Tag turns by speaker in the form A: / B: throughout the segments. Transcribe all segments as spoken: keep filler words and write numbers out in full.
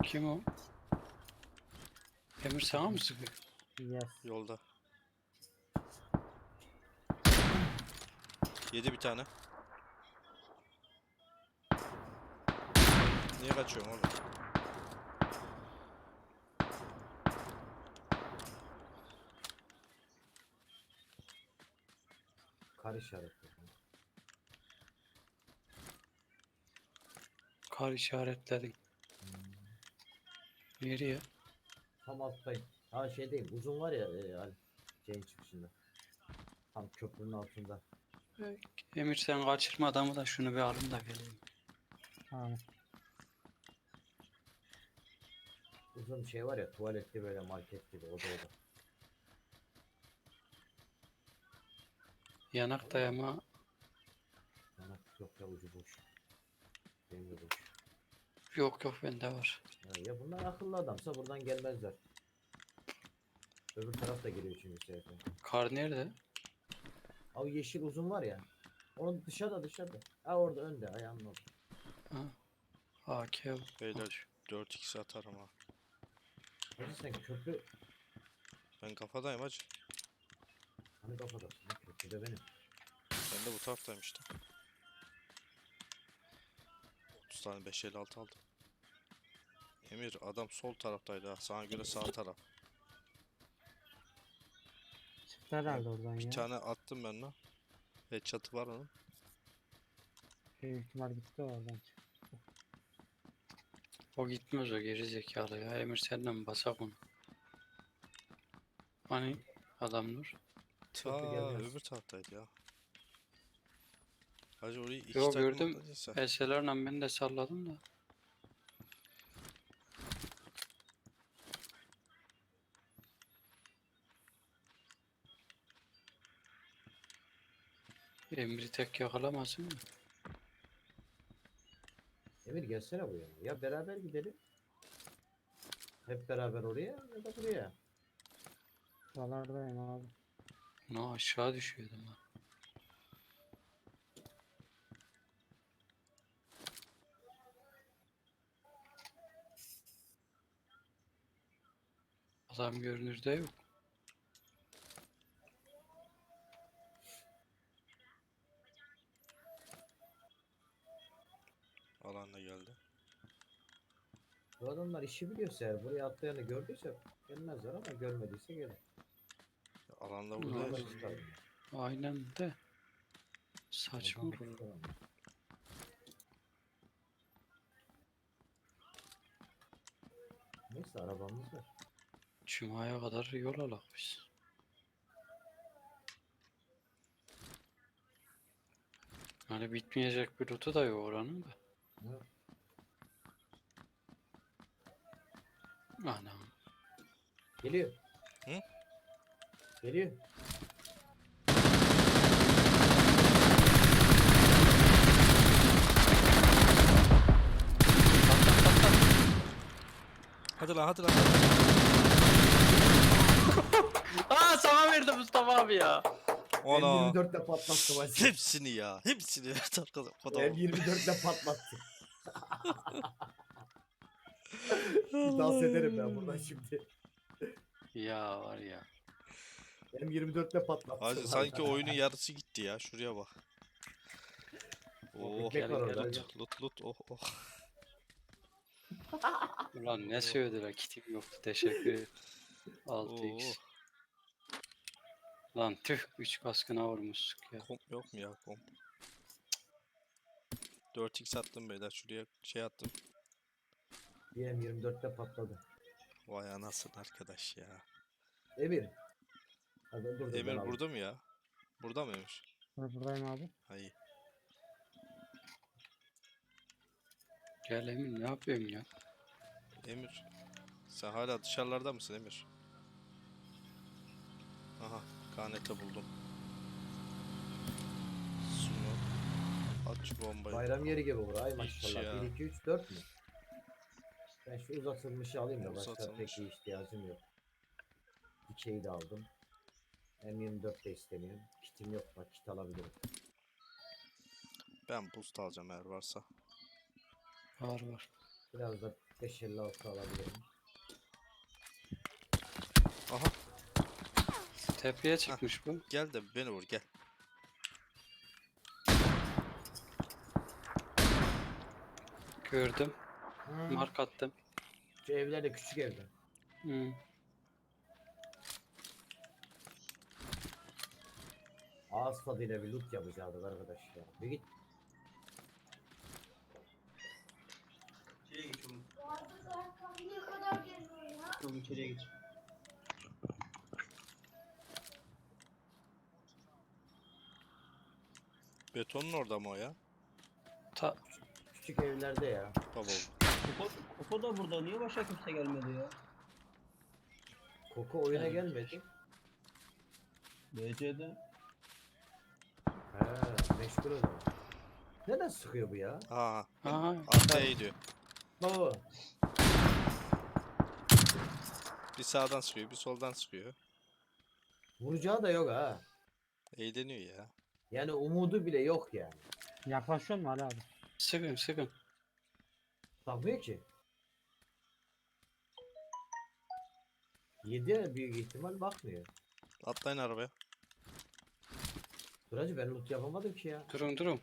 A: Kim o? Emir sana mı sıkıyor?
B: Yes.
C: Yolda. Yedi bir tane. Niye kaçıyorsun oğlum?
D: Kar işareti.
A: Kar işaretledin. Nereye?
D: Tam alttayım. Ha şeydeyim. Uzun var ya e, hani şeyin çıkışında. Tam köprünün altında.
A: Emir sen kaçırma adamı da şunu bir alın da geleyim.
B: Tamam.
D: Uzun şey var ya tuvaletli böyle market gibi o da o da.
A: Yanak dayama
D: Bana yok ya ucu boş. Benim de boş.
A: yok yok bende var.
D: Ya, ya bunlar akıllı adamsa buradan gelmezler. Öbür taraf da geliyor çünkü sefer.
A: Kar nerede?
D: Abi yeşil uzun var ya. Onun dışarıda dışarıda. Ha orada önde ayağının orada.
A: Ha. A K.
C: Beyler dört x atarım ha.
D: Hacı sen köprü
C: Ben kafadayım hacı.
D: hani kafadasın. Ha, köprüde benim.
C: Ben de bu taraftayım işte. otuz tane beş elli altı aldım. Emir adam sol taraftaydı ha. Sana göre sağ taraf.
B: Çıktı herhalde oradan
C: Bir
B: ya.
C: tane attım ben lan. Headshot'ı var onun.
B: Büyük ihtimal gitti oradan.
A: O gitmez o geri zekalı ya. Emir senden mi basak onu? Hani adamlar?
C: Ta
D: Köprü gelmez.
C: öbür taraftaydı ya. Hacı orayı iki
A: Yo
C: takım
A: gördüm.
C: atladıysa.
A: S L R'la ben de salladım da. Emir'i tek yakalamasın mı?
D: Emir gelsene bu yana. Ya beraber gidelim. Hep beraber oraya ya da buraya.
B: Buralardayım abi.
A: Ne aşağı düşüyordum ha. Adam görünürde yok.
C: Alan da geldi.
D: Bu adamlar işi biliyorsa eğer buraya atlayanı gördüyse gelmezler ama görmediyse gelir.
C: Alan da
A: Ne
C: burada.
D: Yola
A: oldu?
D: çıkarım.
A: Aynen de. Saçma
D: Oradan
A: olur.
D: çıkarım. Neyse arabamız var.
A: Cuma'ya kadar yol alak biz. Hani bitmeyecek bir rutu da yok oranın da.
D: Ha,
A: Anam.
D: geliyor.
C: Hı?
D: Geliyor.
C: Hadi lan hadi lan.
A: Aa sana verdi Mustafa abi ya.
D: M
C: Ona.
D: yirmi dörtle patlattı maçı.
C: Hepsini ya. Hepsini. Evet arkadaşlar.
D: M yirmi dörtle patlattı. Dans ederim ben buradan şimdi.
A: Ya var ya.
D: M yirmi dörtle patlattı.
C: Hacı sanki oyunun yarısı gitti ya. Şuraya bak. Oh.
D: ekmek var orada.
A: gel.
C: Lut lut lut. Oh oh.
A: Ulan ne söylediler kitim yoktu teşekkür ederim. altı x.
C: Oo.
A: Lan tüh üç baskına vurmuştuk ya.
C: Komp yok mu ya komp? dört x attım beyler. Şuraya şey attım.
D: Bir M yirmi dörtle patladı.
C: Vay anasını arkadaş ya.
D: Emir. Hadi dur dur ben
C: Emir
D: alayım.
C: burada mı ya? Burada mı Emir?
B: Bur- Buradayım abi.
C: Hayır.
A: Gel Emin ne yapıyorsun ya?
C: Emir. Sen hala dışarılarda mısın Emir? Aha. Kanete buldum. Sunu. At şu bombayı.
D: Bayram yeri gibi bura. Ay
C: Hiç
D: maşallah.
C: ya.
D: bir, iki, üç, dört mü? Ben şu uzatılmışı alayım da başka
C: Uzatılmış.
D: pek bir ihtiyacım yok. Dikeyi de aldım. M yirmi dört de istemiyorum. Kitim yok bak kit alabilirim.
C: Ben boost alacağım eğer varsa.
A: Var var.
D: Biraz da beş elli altı alabilirim.
C: Aha
A: Tepeye çıkmış bu.
C: gel de beni vur gel.
A: Gördüm.
D: Hı.
A: Mark attım.
D: Şu evler de küçük evler.
A: Hı.
D: Ağız tadıyla bir loot yapacağız arkadaş ya. Bir git.
E: İçeriye geç oğlum.
F: Niye kadar geliyor ya?
E: Oğlum içeriye geç.
C: Betonun orada mı o ya?
A: Ta
D: Küçük evlerde ya.
C: Baba
E: Koko, Koko da burada. Niye başka kimse gelmedi ya?
D: Koku oyuna
E: Evet.
D: gelmedi.
E: B C'de.
D: He, meşgul o zaman. Neden sıkıyor bu ya?
C: Aha
A: aha.
C: arkaya gidiyor.
D: Baba.
C: Bir sağdan sıkıyor bir soldan sıkıyor.
D: Vuracağı da yok ha.
C: Eğleniyor ya.
D: Yani umudu bile yok yani.
B: Yaklaşıyor mu Ali abi?
A: Sıkın sıkın.
D: Takmıyor ki. Yedi büyük ihtimal bakmıyor.
C: Atlayın arabaya.
D: Duracı ben loot yapamadım ki ya.
A: Durun durun.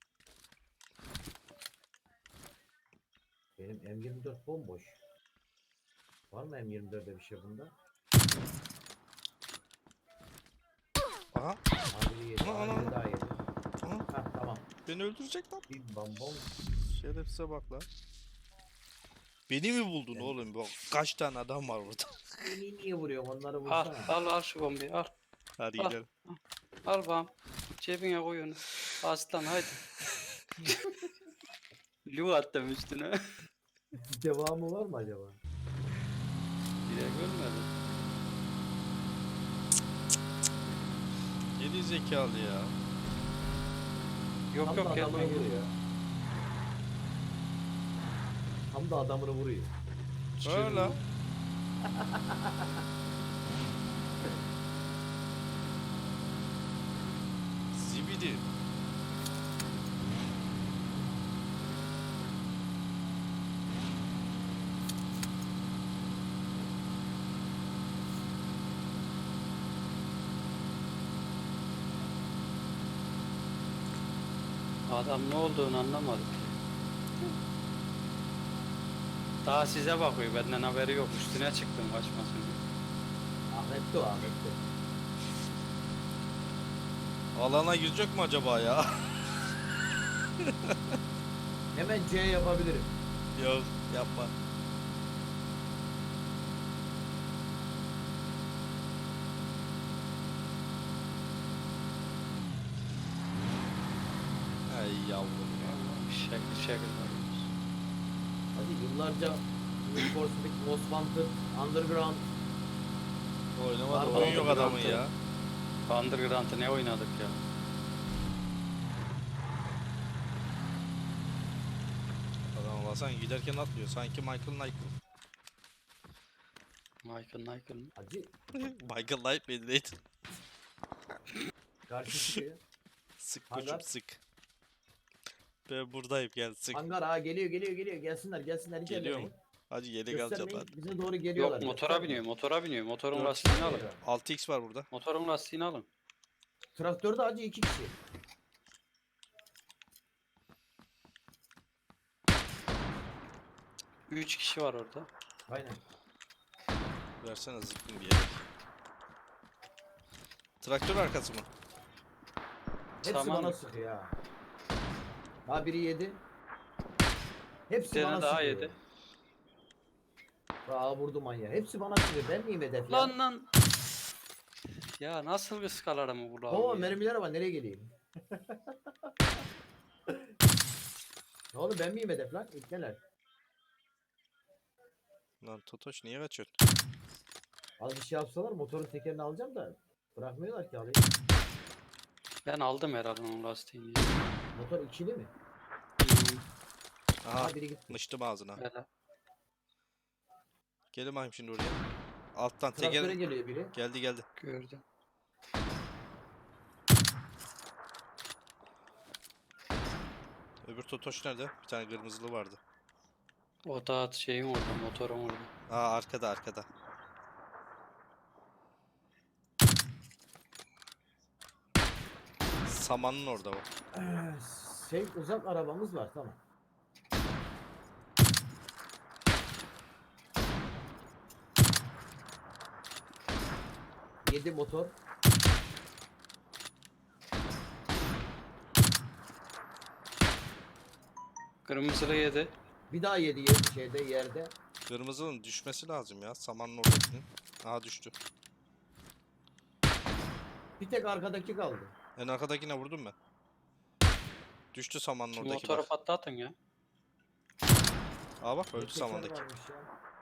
D: Benim M yirmi dört bomboş. Var mı M yirmi dört'e bir şey bunda?
C: Aha
D: Abi yedi,
C: Ana, ana,
D: abi
C: ana.
D: daha yedi.
C: aha
D: Hah tamam.
C: beni öldürecek lan.
D: Bir bam bom.
C: Şerefsize bak lan. Beni mi buldun
D: Ben-
C: oğlum? Bak kaç tane adam var burada.
D: Beni niye vuruyorsun onları
A: Al
D: vursana.
A: al al şu bombayı al.
C: Hadi
A: Ah.
C: gidelim.
A: Al bam. Cebine koy onu. Aslan haydi. Lu attım üstüne.
D: Devamı var mı acaba?
A: Bile görmedim.
C: Geri zekalı ya.
A: Yok
D: Tam da
A: yok
D: adamını
A: gelme.
D: vuruyor. Tam da adamını vuruyor.
C: Öyle. Zibidi.
A: Adam ne olduğunu anlamadık. Daha size bakıyor. Benden haberi yok. Üstüne çıktım kaçmasın diye.
D: Ahmet'ti o Ahmet'ti.
C: Alana girecek mi acaba ya?
D: Hemen C yapabilirim.
C: Yok yapma. Ay yavrum ya.
A: Şekil şekil bakıyoruz.
D: Hadi yıllarca Need for Speed Most Wanted, Underground.
C: Oynamadı
D: Var,
C: oyun yok
A: var,
C: adamın
A: var.
C: ya.
A: Underground'ı ne oynadık ya?
C: Adam basan giderken atlıyor. Sanki Michael Knight.
A: Michael Michael mı?
D: Hacı
C: Michael Knight mıydı neydi?
D: karşı çıkıyor.
C: Sık
D: Hangar.
C: koçum sık. Ben buradayım gel sık.
D: Hangar ha geliyor geliyor geliyor gelsinler gelsinler hiç
C: Geliyor
D: ellemeyin.
C: Hadi yedek alacağım
D: Göstermeyin
C: hadi.
D: bize doğru geliyorlar.
A: Yok motora
D: göstermeyin.
A: biniyor, motora biniyor. Motorun
C: Dört
A: lastiğini alın.
D: Geliyor.
C: altı x var burada.
A: Motorun lastiğini alın.
D: Traktörde hacı iki kişi.
A: Üç kişi var orada.
D: Aynen.
C: Versene zıkkın bir yere. Traktör arkası mı?
D: Hepsi
A: Tamam.
D: bana sıkıyor ha. Daha biri yedi. Hepsi
A: Bir
D: bana
A: tane daha
D: sıkıyor.
A: yedi.
D: Aa vurdu manyağı. Hepsi bana sıkıyor. Ben miyim hedef ya?
A: Lan lan. Ya nasıl bir skalarımı bu lan?
D: Oo
A: ya?
D: mermiler var nereye geleyim? Ne oldu ben miyim hedef lan? İlkeler.
C: Lan Totoş niye kaçıyorsun?
D: Az bir şey yapsalar motorun tekerini alacağım da bırakmıyorlar ki alayım.
A: Ben aldım herhalde onun lastiğini.
D: Motor ikili mi?
A: Hmm,
C: Aha
D: Ha biri gitti.
C: mıştım ağzına.
A: hele.
C: Gelin bakayım şimdi oraya. Alttan
D: Traktöre
C: teker
D: geliyor biri.
C: geldi geldi.
A: Gördüm.
C: Öbür Totoş nerede? Bir tane kırmızılı vardı.
A: O da şeyin orada, motorun orada.
C: Aa arkada arkada. Samanın orada o.
D: Ee, Şey uzak arabamız var tamam. Yedi motor.
A: Kırmızılı yedi.
D: Bir daha yedi yer, şeyde yerde.
C: Kırmızının düşmesi lazım ya. Samanın oradakinin. Aa düştü.
D: Bir tek arkadaki kaldı.
C: En arkadakine vurdum ben. Düştü samanın
A: Şu
C: oradaki
A: motoru
C: bak.
A: patlatın ya.
C: Aa bak öldü
D: Bir teker
C: samandaki.
D: varmış ya.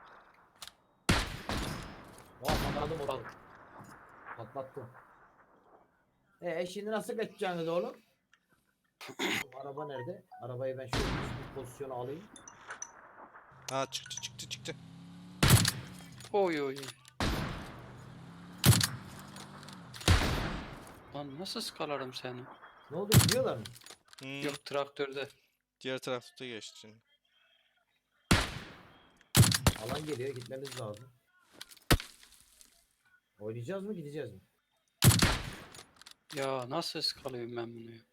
D: Vay patladı motor. Patlattım. E şimdi nasıl kaçacaksınız oğlum? Araba nerede? Arabayı ben şöyle bir pozisyona alayım.
C: Ha çıktı çıktı çıktı.
A: Oy oy. Lan nasıl skalarım seni?
D: Ne oldu gidiyorlar mı?
C: Hmm,
A: Yok traktörde.
C: diğer tarafta geçti şimdi.
D: Alan geliyor gitmemiz lazım. Oynayacağız mı gideceğiz mi?
A: Ya nasıl skalıyorum ben bunu ya?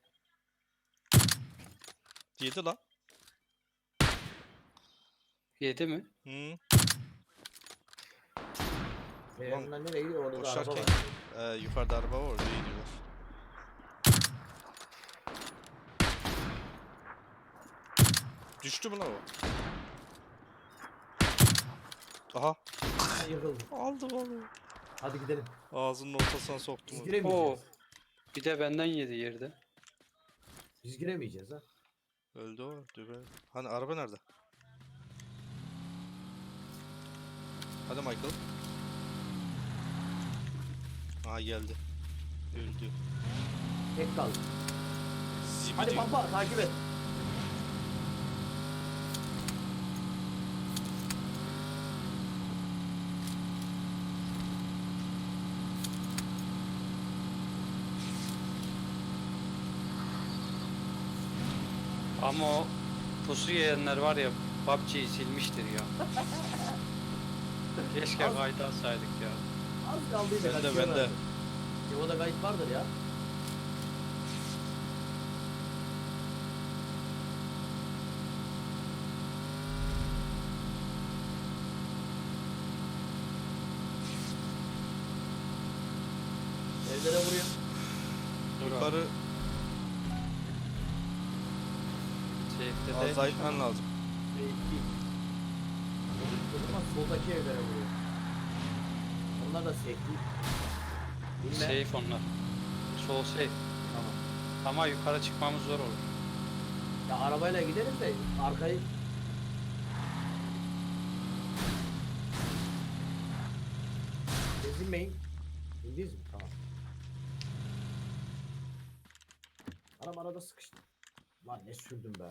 C: Yedi lan.
A: Yedi mi?
C: Hmm.
D: E,
C: Ulan,
D: onlar nereye gidiyor? Orada da araba
C: Koşarken
D: var.
C: e, yukarıda araba var oraya gidiyorlar. Düştü mü lan o? Aha.
D: Ha, yıkıldı.
C: Aldım onu.
D: Hadi gidelim.
C: Ağzının ortasına soktum
D: Biz
C: onu.
D: giremeyeceğiz.
A: Bir de benden yedi yerde.
D: Biz giremeyeceğiz ha.
C: Öldü o. Dübe. Hani araba nerede? Hadi Michael. Aha geldi. Öldü.
D: Tek kaldı.
C: Zibidi.
D: Hadi pampa takip et.
A: Ama o pusu yiyenler var ya P U B G'yi silmiştir ya. Keşke
D: Az-
A: kaydı alsaydık ya.
D: Az kaldıydı.
C: Bende,
D: kaçıyorlar.
C: bende.
D: Yolda kayıt vardır ya. Evlere vuruyor.
A: Dur abi.
C: Yukarı
A: Safe'de de
C: az daha gitmen lazım.
D: Belki. O zaman soldaki evlere vuruyor. Onlar da safety. Bilmem.
A: safe onlar. Sol safe.
D: Tamam.
A: Ama yukarı çıkmamız zor olur.
D: Ya arabayla gidelim de arkayı... Gezinmeyin. İndiniz mi? Tamam. Anam arada sıkıştı. Lan ne sürdüm be.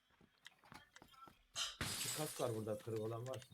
D: İki kask var burada kırık olan varsa.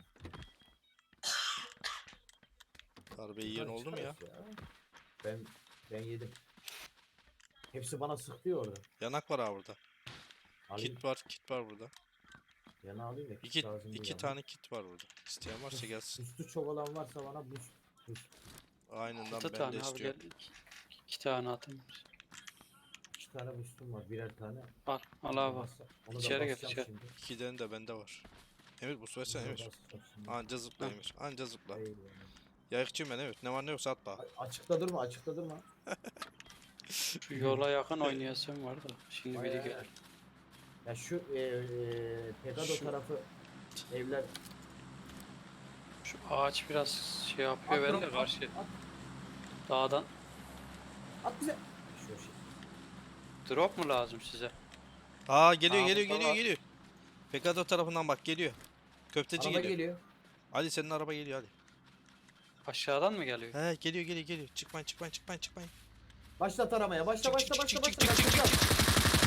C: Darbe yiyen
D: Bunları
C: oldu mu ya?
D: çıkarız Ben ben yedim. Hepsi bana sıktı ya orada.
C: Yanak var ha burada.
D: Alayım,
C: Kit var, kit var burada.
D: yana alayım da kit
C: İki,
D: lazım değil
C: iki
D: ama.
C: tane kit var burada. İsteyen varsa gelsin.
D: Üstü çok olan varsa bana boost. Boost.
C: Aynen lan
A: İki
C: ben
A: tane
C: de
A: abi gel.
C: istiyorum.
A: İki, iki tane atayım.
D: İki tane boostum var. Birer tane.
A: Al, al abi.
D: Bassa- Onu da
A: İçeri gel,
D: basacağım
A: içeri.
D: şimdi.
C: İkiden de bende var. Emir bu versene
D: Onu da
C: Emir.
D: basacağım şimdi.
C: Anca zıpla
A: Hı.
C: Emir. Anca zıpla.
D: Eyvallah.
C: Yayıkçıyım ben Emir. Ne var ne yoksa atma.
D: A- Açıkta durma, açıkta durma.
A: Şu yola yakın oynayasım var da. Şimdi
D: Ay,
A: biri
D: ay,
A: gelir.
D: ay. Ya şu e, e, Pegado
A: Şu-
D: tarafı evler.
A: Şu ağaç biraz şey yapıyor
D: At,
A: beni de
D: at,
A: karşı.
D: At,
A: Dağdan.
D: at bize. Şu şey.
A: Drop mu lazım size?
C: Aa geliyor
A: Aa,
C: geliyor
A: burada
C: geliyor
A: var.
C: geliyor. Pekado tarafından bak geliyor. Köfteci
D: Araba
C: geliyor.
D: geliyor.
C: Ali senin araba geliyor hadi.
A: Aşağıdan mı geliyor?
C: He geliyor geliyor geliyor. Çıkmayın çıkmayın çıkmayın çıkmayın.
D: Başlat aramaya. Başla
C: Çık,
D: başla
C: çık,
D: başla
C: çık,
D: başla.
C: çık, çık, çık,
D: başla.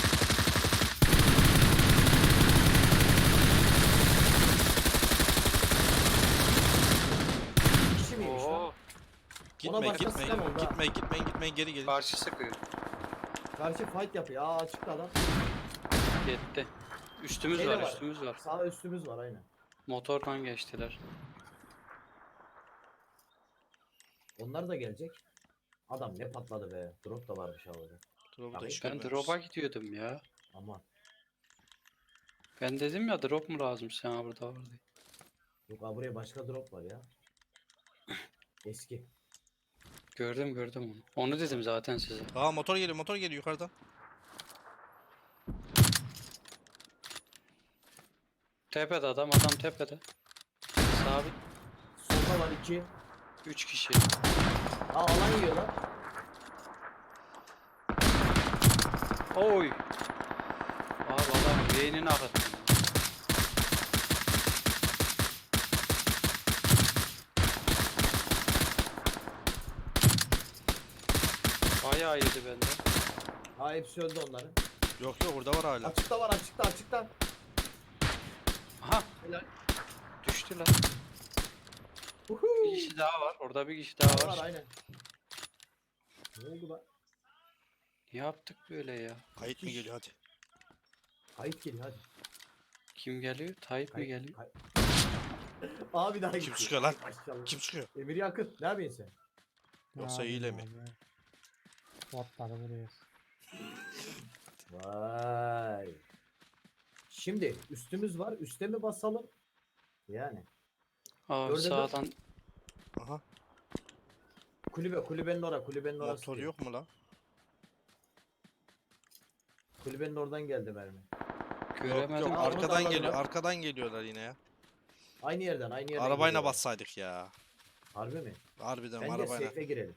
D: Kişi miymiş lan?
A: Oo,
C: Gitmeyin
D: başka
C: gitmeyin.
D: sistem oldu ha.
C: Gitmeyin gitmeyin gitmeyin geri gelin.
A: karşı sıkıyor.
D: Karşı fight yapıyor. Aa açıkta adam.
A: Gitti. Üstümüz
D: Şeyde
A: var,
D: var.
A: üstümüz var.
D: Sağ üstümüz var aynen.
A: Motorla geçtiler.
D: Onlar da gelecek. Adam ne patladı be. Drop da varmış havada.
C: Drop'u da
D: Tabii.
C: hiç
A: Ben
C: görmemişiz.
A: drop'a gidiyordum ya.
D: Aman.
A: Ben dedim ya drop mu lazım sana burada var diye.
D: Yok abi buraya başka drop var ya. Eski.
A: Gördüm gördüm onu. Onu dedim zaten size.
C: Aa motor geliyor motor geliyor yukarıdan.
A: Tepede adam adam tepede. Sabit.
D: Solda var iki.
A: Üç kişi.
D: Aa alan yiyorlar.
A: Oy. Abi adam beynini akıttı. Bayağı yedi bende.
D: Ha hepsi öldü onların.
C: Yok yok burada var hala.
D: Açıkta var açıkta açıkta.
A: Aha.
D: Helal.
A: Düştü lan.
D: Uhu.
A: Bir kişi daha var. Orada bir kişi daha
D: Var,
A: var.
D: var aynen. Ne oldu lan?
A: Ne yaptık böyle ya?
C: Kayıt mı geliyor hadi.
D: Kayıt geliyor hadi.
A: Kim geliyor? Tayyip mi
D: Kayıt,
A: geliyor?
D: kay- Abi daha
C: Kim
D: gitti.
C: çıkıyor lan?
D: Maşallah.
C: Kim çıkıyor?
D: Emir Yakın. Ne yapıyorsun sen?
C: Yoksa
B: Ne
C: hile
B: yapayım
C: mi?
B: abi? Botları vuruyoruz.
D: Vay. Şimdi üstümüz var. Üste mi basalım? Yani.
A: Abi
D: Gördün mü?
A: sağdan
C: Aha
D: Kulübe, kulübenin ora, kulübenin orası.
C: motor
D: diyor.
C: yok mu lan?
D: Kulübenin oradan geldi mermi.
C: Yok
A: göremedim.
C: yok
D: Aa, onu da
C: arkadan
D: anladım
C: geliyor
D: lan.
C: arkadan geliyorlar yine ya.
D: Aynı yerden, aynı yerden.
C: Arabayla
D: geliyorlar.
C: bassaydık ya.
D: Harbi mi?
C: Harbiden
D: Bence
C: arabayla.
D: safe'e girelim.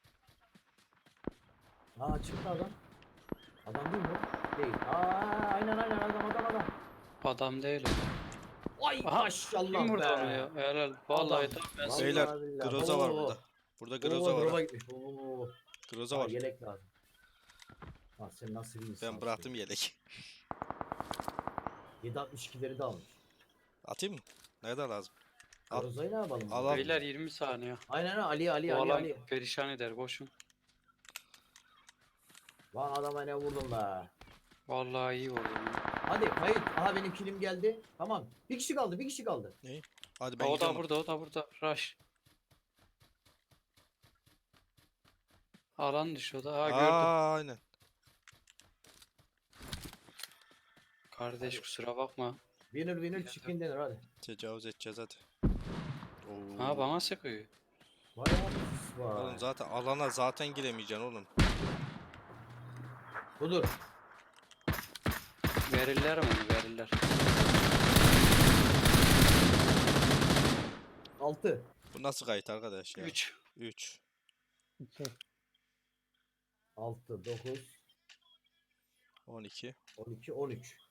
D: Aa çıktı adam. Adam değil mi? bu? Değil. Aa aynen aynen adam adam adam.
A: Adam değil o.
D: Ay
A: Aha,
D: maşallah
A: Kim vurdu
D: be.
A: onu ya? Helal. Vallahi
D: Adam.
A: tam ben
D: Vallahi
C: Beyler,
D: billahi.
C: Groza var
D: Oo,
C: burada. Burada
D: oo,
C: Groza var.
D: drop'a
C: ha.
D: gitmiş. Oo.
C: Groza
D: Aa,
C: var.
D: yelek lazım. Ha sen nasıl bir insansın?
C: Ben bıraktım yelek.
D: yedi altmış ikileri de almış.
C: Atayım mı? Nerede lazım? Al.
D: Groza'yı ne yapalım?
C: Al, al.
A: Beyler yirmi saniye.
D: Aynen aynen, Ali Ali
A: Bu
D: Ali
A: alan
D: Ali.
A: perişan eder koşun.
D: Lan adama ne vurdum be.
A: Vallahi iyi vurdun. ya.
D: Hadi kayıt. Aha benim kilim geldi. Tamam. Bir kişi kaldı, bir kişi kaldı.
C: Hadi ben
A: O da
C: gidiyorum.
A: burada, o da burada. Rush. Alan dışı o da. Ha gördüm.
C: Aa, aynen.
A: Kardeş kusura bakma.
D: Winner winner chicken dinner hadi.
C: Tecavüz edeceğiz hadi. Oo.
A: Ha bana sıkıyor.
D: Vay abi.
C: Oğlum
D: Vay.
C: zaten alana zaten giremeyeceksin oğlum.
D: Budur.
A: Verirler mi onu verirler.
D: altı.
C: Bu nasıl kayıt arkadaş ya?
A: üç.
C: üç.
B: İki.
D: altı, dokuz,
C: on iki.
D: on iki, on üç.